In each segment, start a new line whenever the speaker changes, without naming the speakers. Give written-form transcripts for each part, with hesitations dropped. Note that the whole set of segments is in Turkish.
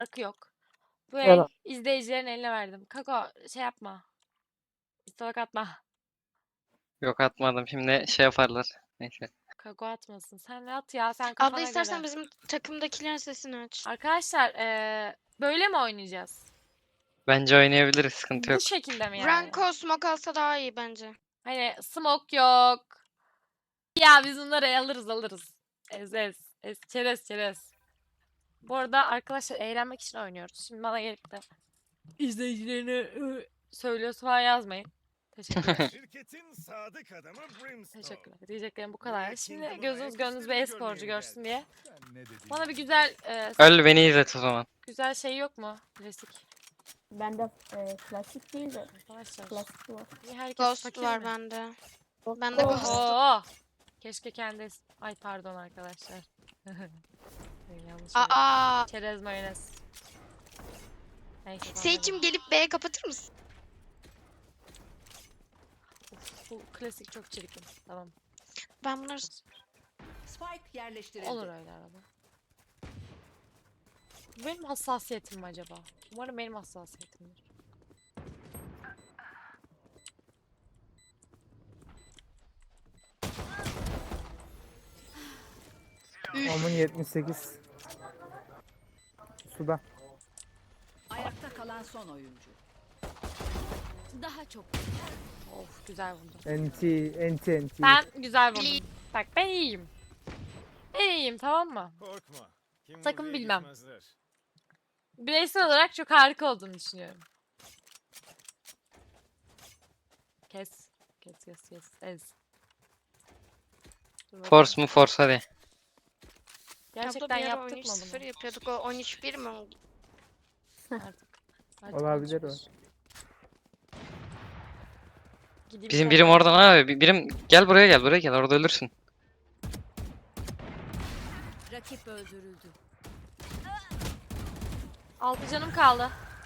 Akı yok. Bu el
Valla.
izleyicilerin eline verdim. Kako şey yapma. İstalak atma.
Yok atmadım. Şimdi şey yaparlar. Neyse.
Kako atmasın. Sen ne at ya? Sen
Abla
kafana
istersen
göre.
bizim takımdakilerin sesini aç.
Arkadaşlar böyle mi oynayacağız?
Bence oynayabiliriz. Sıkıntı
Bu
yok.
şekilde mi yani?
Branko smoke alsa daha iyi bence.
Hani smoke yok. Ya biz bunları alırız. Ez. Çerez. Bu arada arkadaşlar eğlenmek için oynuyoruz. Şimdi bana gelip de izleyicilerine söylüyorsa falan yazmayın. Teşekkürler.
Şirketin sadık adamı Brimstone.
Teşekkürler. Diyeceklerim bu kadar.
Buraya
Şimdi
Kingdom'un
gözünüz gönlünüz bir
ayaküstünü
e-sporcu
görmeye
görsün diye.
Sen ne dediğini
Bana bir
bil.
güzel
Öl beni izlet o zaman.
güzel şey yok mu? Klasik.
Bende klasik değil de
Arkadaşlar.
klasik var.
Niye herkes
Ghost
fakir
var
mi?
bende. Bende
Oh.
Ghost.
Oo. Keşke kendi ay pardon arkadaşlar. Yanlış söyledim.
Aa.
Çerez mayonez. Neyse. tamam.
Seyit'cim gelip B'ye kapatır mısın?
Of, bu klasik çok çirkin. Tamam.
Ben bunları...
Spike yerleştirildi.
Olur öyle arada. Bu benim hassasiyetim mi acaba? Umarım benim hassasiyetimdir.
Onun 78. Suda.
Ayakta kalan son oyuncu.
Daha çok.
Of güzel vurdu.
NT.
Ben güzel vurdum. Bak ben iyiyim. Ben iyiyim tamam mı?
Korkma. Kim
Sakın
buraya
bilmem.
gitmezler.
Bireysel olarak çok harika olduğunu düşünüyorum. Kes. Ez. Dur bakalım.
Force mu force hadi.
Gerçekten
Abla bir ara
yaptık mı
13-0
bunu?
yapıyorduk. O 13-1 mi oldu?
Artık
Olabilir o.
konuşuruz. Gideyim
Bizim
sonra.
birim oradan abi. Birim gel buraya gel. Orada ölürsün.
Rakip öldürüldü.
6 canım kaldı.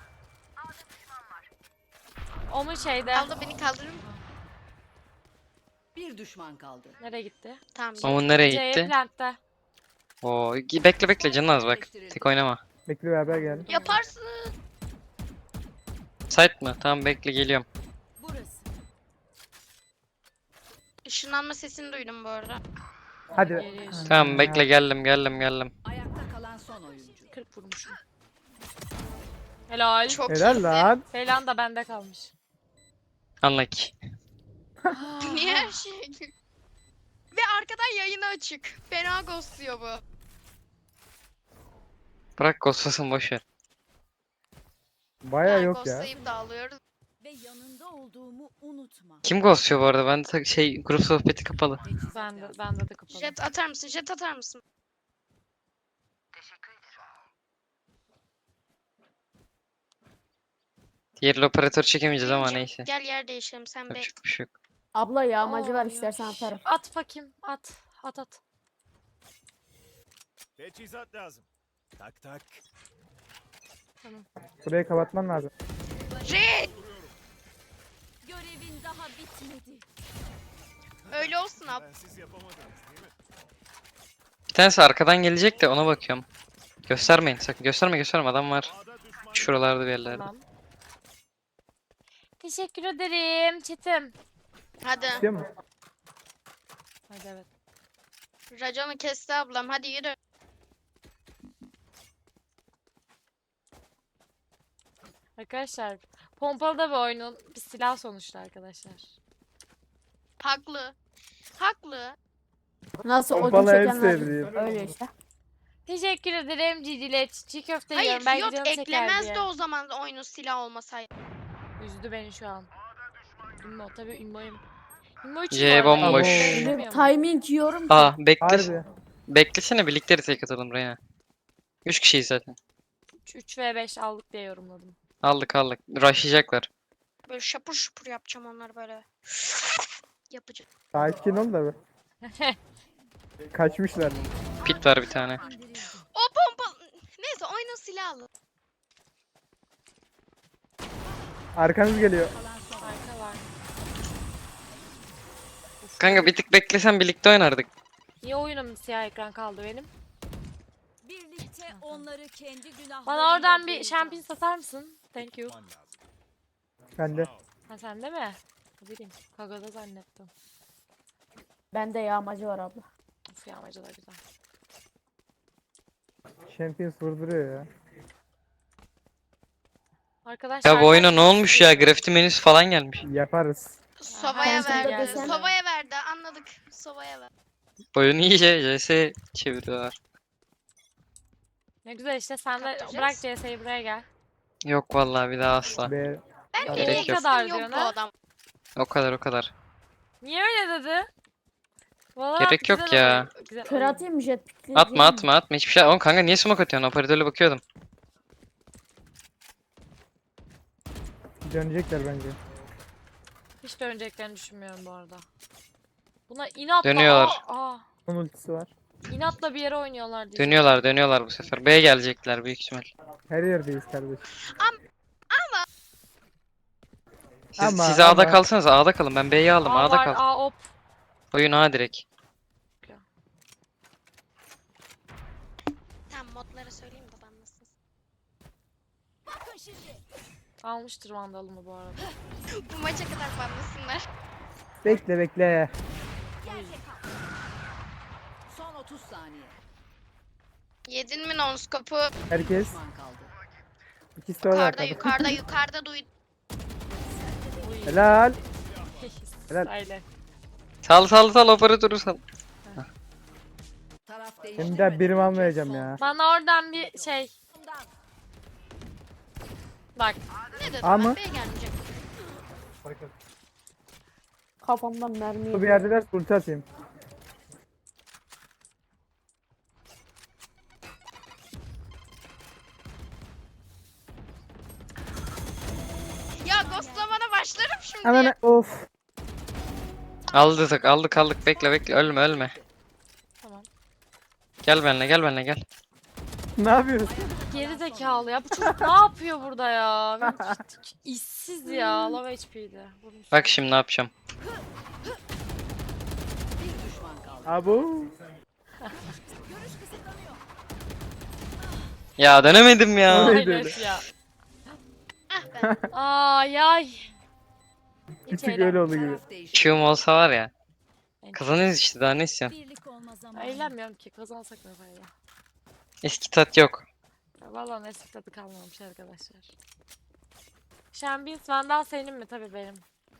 O mu şeyde?
Abla beni kaldırır mı?
Bir düşman kaldı.
Nereye gitti?
Tamam.
Onun nereye
C
gitti?
plantta.
Oo, bekle canın az bak. Tek oynama.
Bekle beraber geldim.
Yaparsın.
Site mı? Tamam bekle geliyorum.
Burası.
Işınlanma sesini duydum bu arada.
Hadi.
Geliyor işte.
Tamam bekle geldim.
Ayakta kalan son oyuncu.
40 vurmuşum. Helal.
Çok
Helal
iyisin.
lan.
Falan da bende kalmış.
Unlucky.
Niye her şey? Ve arkadan yayını açık. Fena ghostluyor bu.
Bırak ghostlasın boşver.
Baya yok ya.
Ghostlayıp dağılıyoruz.
Ve yanında olduğumu unutma.
Kim ghostluyor bu arada? Ben de grup sohbeti kapalı.
Teçhizat
Bende
lazım.
de kapalı.
Jet atar mısın? Jet atar mısın?
Diğer operatör çekemeyeceğiz ama
Birinci,
neyse.
Gel yer değişelim sen be.
Yapacak bir şey yok.
Abla yağmacı var
Oy,
istersen
oy.
atarım.
At bakayım. At.
Teçhizat lazım. Tak.
Burayı kapatman lazım.
Jet!
Görevin daha bitmedi.
Öyle olsun ab.
Bensiz yapamadınız değil mi?
Bir tanesi arkadan gelecek de ona bakıyorum. Göstermeyin sakın. Gösterme adam var.
A'da düşman
Şuralarda bir yerlerde.
Tamam. Teşekkür ederim Çetim.
Hadi.
İstiyor mu?
Hadi evet.
Raconu kesti ablam. Hadi yürü.
Arkadaşlar pompalı da bir oyunun bir silah sonuçta arkadaşlar.
Haklı. Haklı.
Nasıl
Pompalı
odun
en
çekenler
sevdiğim.
öyle işte.
Teşekkür ederim Cicilet. Çiğ köfte
Hayır
yiyorum. Belki
Fiyot
canı çeker
eklemezdi
diye.
o zaman oyunun silah olmasaydı.
Üzdü beni şu an. Ünlü tabii ünlüyüm. Ünlü için
C
bu arada,
bomboş.
ünlü
Öyle
bilmiyorum.
timing yiyorum ki.
Aa bekle.
Harbi.
Beklesene birlikte tek atalım Reyna. 3 kişiyiz zaten.
3 ve 5 aldık diye yorumladım.
Aldık. Rushlayacaklar.
Böyle şapur şupur yapacağım onları böyle. Yapacağım.
Sakin ol da be. Kaçmışlar.
Pit var bir tane.
İndirildi.
O pompa... Neyse oyunun silahlı.
Arkanız geliyor.
Kalan son oyuncu.
Arka var.
Kanka bir tık beklesen birlikte oynardık.
Niye oyunum siyah ekran kaldı benim?
Birlikte Ve onları kendi günahlarıyla
Bana oradan bir
boğacağım.
şampiyon satar mısın? Thank you.
Yapman lazım.
Bende.
Ha sende mi? Ne bileyim. Kagada zannettim.
Bende yağmacı var abla.
Of yağmacı da güzel.
Champions vurduruyor ya.
Arkadaşlar
Ya bu oyuna ne olmuş ya? Grafiti menüsü falan gelmiş.
Yaparız.
Sova'ya
sen de
verdi.
desen-
Sova'ya verdi. Anladık. Sova'ya verdi.
Oyunu iyice CS çeviriyorlar.
Ne güzel işte sen de
Kaptıracağız.
bırak CS'yi buraya gel.
Yok vallahi bir daha asla.
B.
Ben
Gerek
nereye
yok.
gitsem
Kadar
yok
diyor,
bu
ha?
adam.
O kadar o kadar.
Niye öyle dedi? Valorant
Gerek yok
güzel
ya.
oyun, güzel
Kör
oyun.
atayım mı jet pickli?
Atma atma atma hiçbir şey. Oğlum kanka niye smoke atıyorsun? Operatörle bakıyordum.
Dönecekler bence.
Hiç döneceklerini düşünmüyorum bu arada. Buna inatla
Dönüyorlar.
Onun ultisi var.
inatla bir yere oynuyorlar diye.
Dönüyorlar bu sefer. B'ye gelecekler büyük ihtimal.
Her yerdeyiz kardeş.
Siz
Ama-
A'da
ama-
kalsanız A'da kalın. Ben B'yi aldım.
A
A'da
var,
kal.
A op.
Oyun A direkt.
Tamam modlara söyleyeyim de banlasın.
Bakın şimdi.
Almıştır vandalımı bu arada.
Bu maça kadar banlasınlar.
Bekle bekle.
Yerde kal.
Son 30 saniye.
Yedin mi non-scope'u?
Herkes.
Düşman kaldı.
İkisi de orada
Yukarıda
arkada.
yukarıda yukarıda duydum.
Helal. Helal.
Öyle.
Sal operatörü sal.
Taraf
Şimdi
değiştirmeden
de birim
önce
almayacağım
son
ya.
Bana oradan bir şey. Bak.
Ne dedim
A
ben?
mı?
B'ye gelmeyecek.
Kafamdan mermi
Bu
yedi.
bir yerdeler ulti atayım.
Ya ghostlamana başlarım şimdi.
Hemen of.
Aldık. Bekle. Ölme.
Tamam.
Gel benimle gel.
Ne yapıyorsun?
Geri zekalı ya. Bu çocuk ne yapıyor burada ya? Benim işsiz ya. Low HP'ydi. Vurmuş.
Bak şimdi ne yapacağım.
bir düşman kaldı.
Abu.
Ya dönemedim ya.
Oy.
Ay
öyle.
evet ya.
Ah ben.
Ay ay.
Bir tık öyle oldu gibi.
Taraf değişti.
Q'm olsa var ya. Kazanırız işte daha ne istiyorsun?
Birlik olma zamanı.
Eğlenmiyorum ki. Kazansak ne fayda.
Eski tat yok.
Ya vallahi eski tadı kalmamış arkadaşlar. Şambins Vandal senin mi? Tabii benim.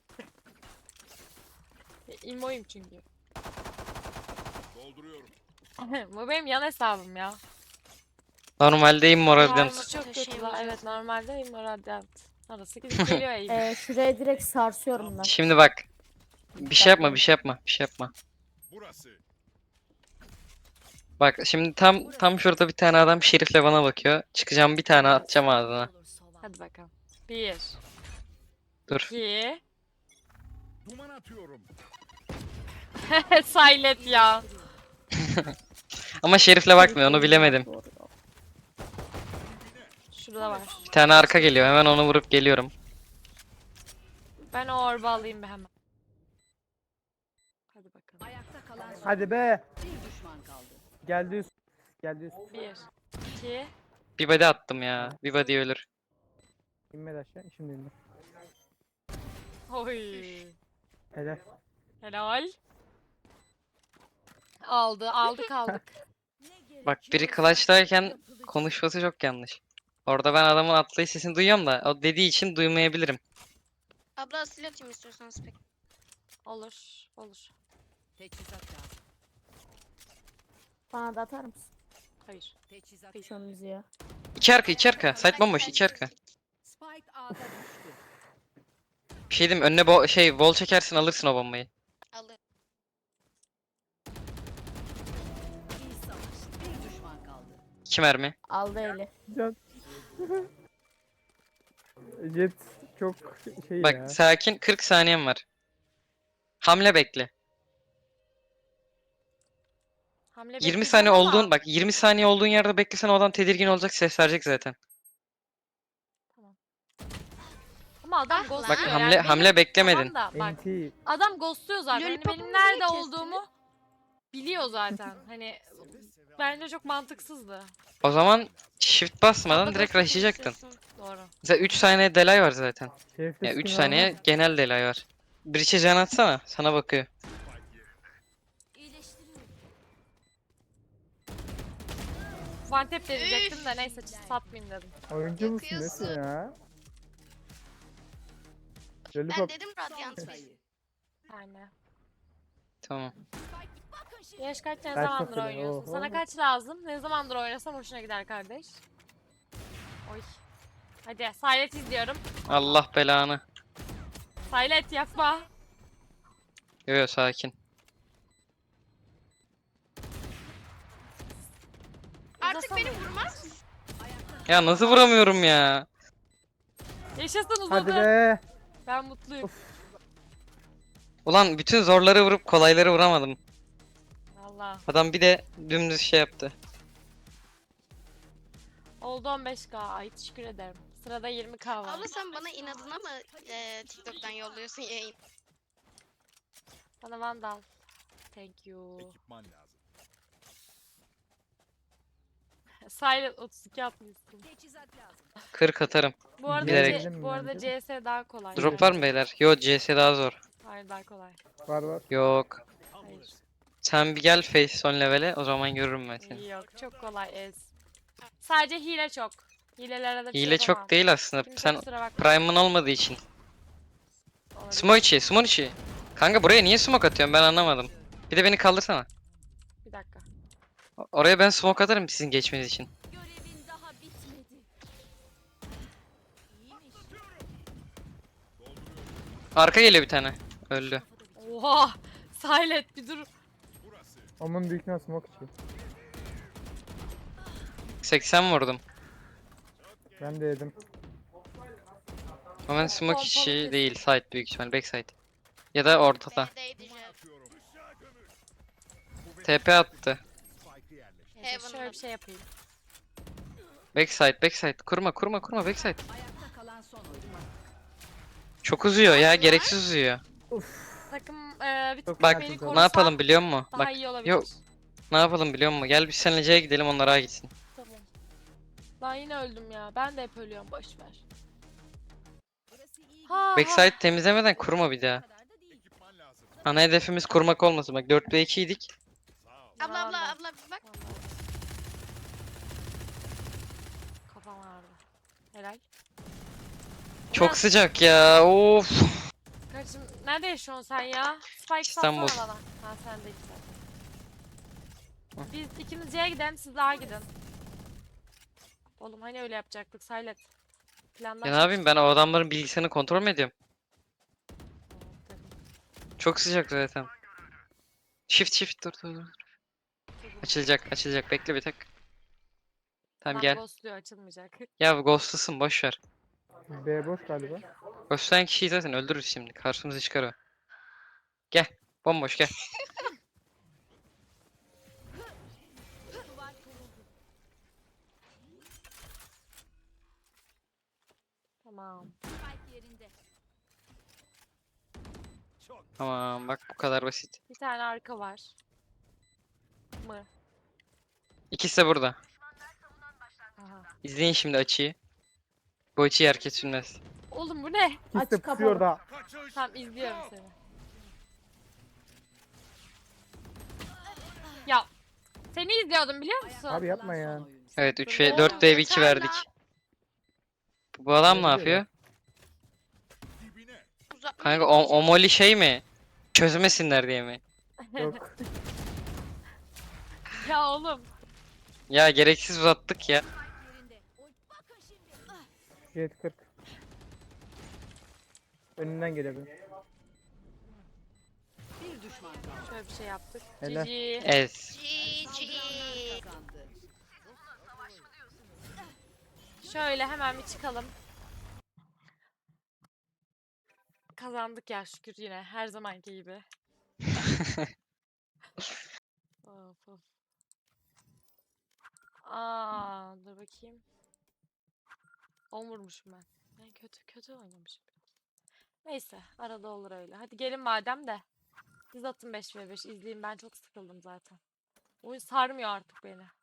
İmoyum çünkü.
Dolduruyorum.
Bu benim yan hesabım ya.
Normalde Immortal
Karma
Dance.
çok kötü
Taşıyım
la.
hocam.
Evet normalde Immortal. Arası gidip geliyor eğim.
Şuraya direkt sarsıyorum ben.
Şimdi bak. Bir şey yapma.
Burası.
Bak şimdi tam şurada bir tane adam şerifle bana bakıyor. Çıkacağım bir tane atacağım ağzına.
Hadi bakalım. 1
Dur.
2
Duman atıyorum.
Silent ya.
Ama şerifle bakmıyor onu bilemedim.
Şurada var.
Bir tane arka geliyor hemen onu vurup geliyorum.
Ben o orba alayım bir hemen. Hadi bakalım.
Ayakta kalan son
Hadi be.
bir düşman kaldı.
Geldi üst. Geldi üst.
1 2
Bir body attım ya. Bir body ölür.
İnmedi aşağı. Şimdi indi.
Oy.
Helal.
Helal. Aldık.
Bak biri clutch'tayken konuşması çok yanlış. Orada ben adamın atlayış sesini duyuyorum da o dediği için duymayabilirim.
Abla asil atayım istiyorsanız pek.
Olur.
Teçhizat lazım.
Bana da atar mısın?
Hayır.
Teçhizat.
Şu müziği.
İki arka. Site bomboş iki arka.
Spike A'da düştü.
Bir şey diyeyim mi? Önüne wall çekersin alırsın o bombayı.
Alır.
İyi savaş. Bir düşman kaldı.
2 mermi.
Aldı eli.
Can. Jet çok şey
Bak
ya.
sakin 40 saniyem var. Hamle bekle.
Hamle
20
bekleyeceğim
saniye
ama-
olduğun bak 20 saniye olduğun yerde beklesen o adam tedirgin olacak ses verecek zaten.
Ama adam
Ah
ghostluyor.
lan.
Bak
yani benim-
hamle beklemedin.
Tamam da bak
NT.
adam ghostluyor zaten. Hani
Lollipopumu
benim
niye
nerede
kestin?
olduğumu biliyor zaten. Hani bence çok mantıksızdı.
O zaman shift basmadan
Double
direkt
ghost'u
rushlayacaktın.
konuşuyorsun. Doğru.
Mesela 3 saniye delay var zaten.
Şerifte
Ya 3
skin var mı?
saniye genel delay var. Breach'e can atsana. Sana bakıyor.
İyileştiriyorum.
One tap deneyecektim de neyse satmayayım dedim.
Oyuncu musun nesin
Yakıyorsun.
ya?
Ben
Lollipop.
dedim Radiant bir.
Yani.
Tamam.
Bakın şimdi.
Yaş kaç ne
Kaç
zamandır
mesela?
oynuyorsun?
Oho.
Sana kaç lazım? Ne zamandır oynasam hoşuna gider kardeş. Oy. Hadi Silent izliyorum.
Allah belanı.
Silent yapma.
Yo yo sakin.
Artık
Uzasana.
beni vurmaz.
Ya nasıl vuramıyorum ya?
Yaşasın uzadı.
Hadi be.
Ben mutluyum.
Ulan bütün zorları vurup kolayları vuramadım.
Valla.
Adam bir de dümdüz şey yaptı.
Oldu 15k. Ay teşekkür ederim. Sırada 20k var.
Abla sen bana inadına mı TikTok'tan yolluyorsun yayın?
Bana Vandal. Thank you.
Ekipman lazım.
Silent 32 atmışsın.
Teçhizat lazım.
40 atarım.
Bu arada
Bilerek.
bu arada CS daha kolay.
Drop var mı beyler? Yo CS daha zor.
Hayır daha kolay.
Var var.
Yok.
Hayır.
Sen bir gel face son levele o zaman görürüm ben seni.
Yok çok kolay ez. Sadece hile çok. Hilelere de bir şey
Hile
yapamam.
çok değil aslında.
Kimse
Sen
kusura bakma.
prime'ın olmadığı için.
Olabilir.
Smoke içi, smoke içi. Kanka buraya niye smoke atıyorsun ben anlamadım. Bir de beni kaldırsana.
Bir dakika.
Oraya ben smoke atarım sizin geçmeniz için.
Görevin daha bitmedi. İyiymiş.
Arka geliyor bir tane. Öldü.
Oha! Silent bir dur.
Burası.
Onun büyük ihtimal smoke içi.
80 vurdum.
Ben de yedim.
Ama ben smoke
Pompalı
içi
kesin.
değil. Side büyük ihtimal. Backside. Ya da ortada.
B'deydi Jet.
Atıyorum. Işığa gömül.
TP attı.
Spike'ı yerleştir.
Neyse, şöyle
Heaven'da.
bir şey yapayım.
Backside, backside. Kurma, kurma, kurma. Backside.
Ayakta kalan son oyuncu.
Çok uzuyor ya. Gereksiz uzuyor.
Takım bir tık
Çok
Bak
beni
Ne
ne
korusa
yapalım biliyor musun?
daha
Bak
iyi olabilir.
yok. Ne yapalım biliyor musun? Gel biz seninle C'ye gidelim onlar A gitsin.
Tamam. Ben yine öldüm ya. Ben de hep ölüyorum. Boş ver.
Burası iyi.
Ha,
Backside temizlemeden kurma bir daha.
kadar da değil.
Ekipman lazım.
Ana hedefimiz kurmak olmasın. Bak 4'te 2 idik.
Sağ ol.
Abla abla
Vallahi.
abla bak.
Vallahi. Kafam ağrıdı. Helal.
Çok
Biraz-
sıcak ya. Of.
Kardeşim nerede yaşıyorsun sen ya? Spike
İstanbul.
satsana bana. Ha sen de zaten. Biz ikimiz C'ye gidelim siz daha gidin. Oğlum hani öyle yapacaktık Silent. Plandan
Ya ne yapayım ben o adamların bilgisayarını kontrol mü ediyorum? Çok sıcak zaten. Shift shift dur. Açılacak açılacak bekle bir tek. Tamam gel.
Ghostluyor açılmayacak.
Ya ghostlısın boş ver.
B boş galiba.
Ghostlayan kişiyi zaten öldürürüz şimdi. Karşımıza çıkar o. Gel. Bomboş gel.
Duvar kuruldu.
Tamam.
Spike yerinde.
Tamam bak bu kadar basit.
Bir tane arka var. Mı?
İkisi de burada.
Aha.
İzleyin şimdi açıyı. Bu açıyı herkes bilmez.
Oğlum bu ne?
İkisi de
Aç
pusuyor
kapalı.
orada.
Kaçış.
Tamam izliyorum seni. Ya seni izliyordum biliyor musun?
Abi yapma ya.
Son oyuncu.
Evet 3
Ne
ve
oldu?
4 ve 2
Yeter
verdik.
la.
Bu adam ne
Ne
yapıyor?
Dibine.
Uzatma
Kanka
beni diyecek.
o moli şey mi? Çözmesinler diye mi?
Yok.
Ya oğlum.
Ya gereksiz uzattık ya.
Yerinde. Oy, bakın şimdi.
Jet 40. Önünden geliyor.
Bir düşman kaldı.
Şöyle bir şey yaptık.
Helal.
GG.
Ez.
GG.
Kazandı.
Şöyle hemen bir çıkalım. Kazandık ya şükür yine her zamanki gibi. Of, of. Aa, dur bakayım. 10 vurmuşum ben. Ben kötü oynamışım. Neyse arada olur öyle. Hadi gelin madem de. Siz atın 5v5 izleyin, ben çok sıkıldım zaten. Oyun sarmıyor artık beni.